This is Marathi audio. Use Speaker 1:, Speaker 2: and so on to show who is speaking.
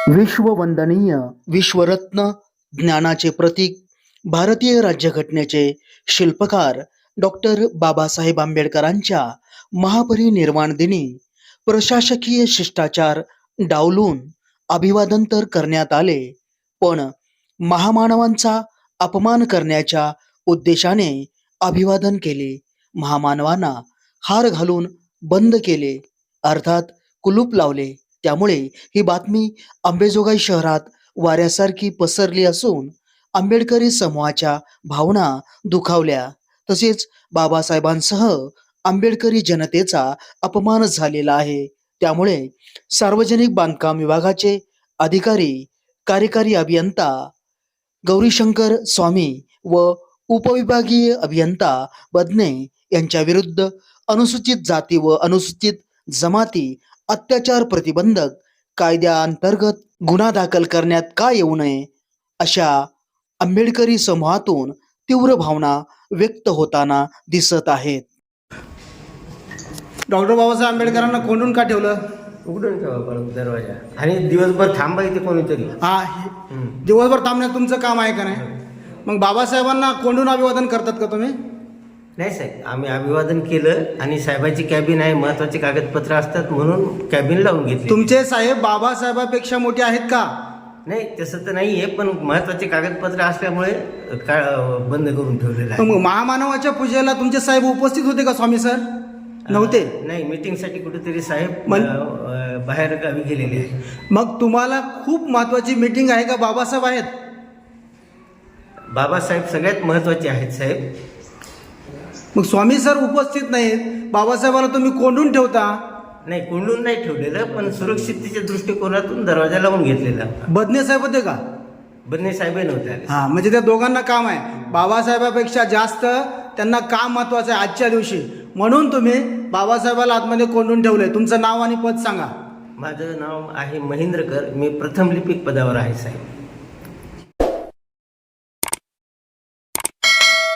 Speaker 1: विश्ववंदनीय विश्वरत्न ज्ञानाचे प्रतीक भारतीय राज्यघटनेचे शिल्पकार डॉक्टर बाबासाहेब आंबेडकरांच्या महापरिनिर्वाण दिनी प्रशासकीय शिष्टाचार डावलून अभिवादन तर करण्यात आले, पण महामानवांचा अपमान करण्याच्या उद्देशाने अभिवादन केले. महामानवांना हार घालून बंद केले, अर्थात कुलूप लावले. त्यामुळे ही बातमी अंबेजोगाई शहरात वाऱ्यासारखी पसरली असून आंबेडकरी समूहाच्या भावना दुखावल्या. तसेच बाबासाहेबांसह आंबेडकरी जनतेचा अपमान झालेला आहे. त्यामुळे सार्वजनिक बांधकाम विभागाचे अधिकारी कार्यकारी अभियंता गौरीशंकर स्वामी व उपविभागीय अभियंता बदने यांच्या विरुद्ध अनुसूचित जाती व अनुसूचित जमाती अत्याचार प्रतिबंधक कायद्याअंतर्गत गुन्हा दाखल करण्यात का येऊ नये, अशा आंबेडकरी समूहातून तीव्र भावना व्यक्त होताना दिसत आहेत.
Speaker 2: डॉक्टर बाबासाहेब आंबेडकरांना कोंडून का ठेवलं?
Speaker 3: उघडून ठेवा परत दरवाजा आणि दिवसभर थांबा इथे कोणीतरी.
Speaker 2: दिवसभर थांबण्यात तुमचं काम आहे का नाही? मग बाबासाहेबांना कोंडून अभिवादन करतात का तुम्ही?
Speaker 3: नाही साहेब, आम्ही अभिवादन केलं आणि साहेबाची कॅबिन आहे, महत्वाचे कागदपत्र असतात म्हणून कॅबिन लावून घेतली.
Speaker 2: तुमचे साहेब बाबासाहेबापेक्षा मोठे आहेत का?
Speaker 3: नाही तसं तर नाही आहे, पण महत्वाचे कागदपत्र असल्यामुळे बंद करून ठेवलेलं आहे.
Speaker 2: मग महामानवाच्या पूजेला तुमचे साहेब उपस्थित होते का स्वामी सर? नव्हते.
Speaker 3: नाही, मीटिंगसाठी कुठेतरी साहेब बाहेर गावी गेलेले आहे.
Speaker 2: मग तुम्हाला खूप महत्वाची मीटिंग आहे का? बाबासाहेब आहेत?
Speaker 3: बाबासाहेब सगळ्यात महत्वाचे आहेत साहेब.
Speaker 2: मग स्वामी सर उपस्थित नाहीत, बाबासाहेबाला तुम्ही कोंडून ठेवता?
Speaker 3: नाही, कोंडून नाही ठेवलेलं, पण सुरक्षिततेच्या दृष्टिकोनातून दरवाजा लावून घेतलेला.
Speaker 2: बदने साहेब होते का?
Speaker 3: बदने साहेब नव्हते.
Speaker 2: हा, म्हणजे त्या दोघांना काम आहे. बाबासाहेबापेक्षा जास्त त्यांना काम महत्वाचं आहे आजच्या दिवशी, म्हणून तुम्ही बाबासाहेबाला आतमध्ये कोंडून ठेवले. तुमचं नाव आणि पद सांगा.
Speaker 3: माझं नाव आहे महेंद्रकर, मी प्रथम लिपिक पदावर आहे साहेब.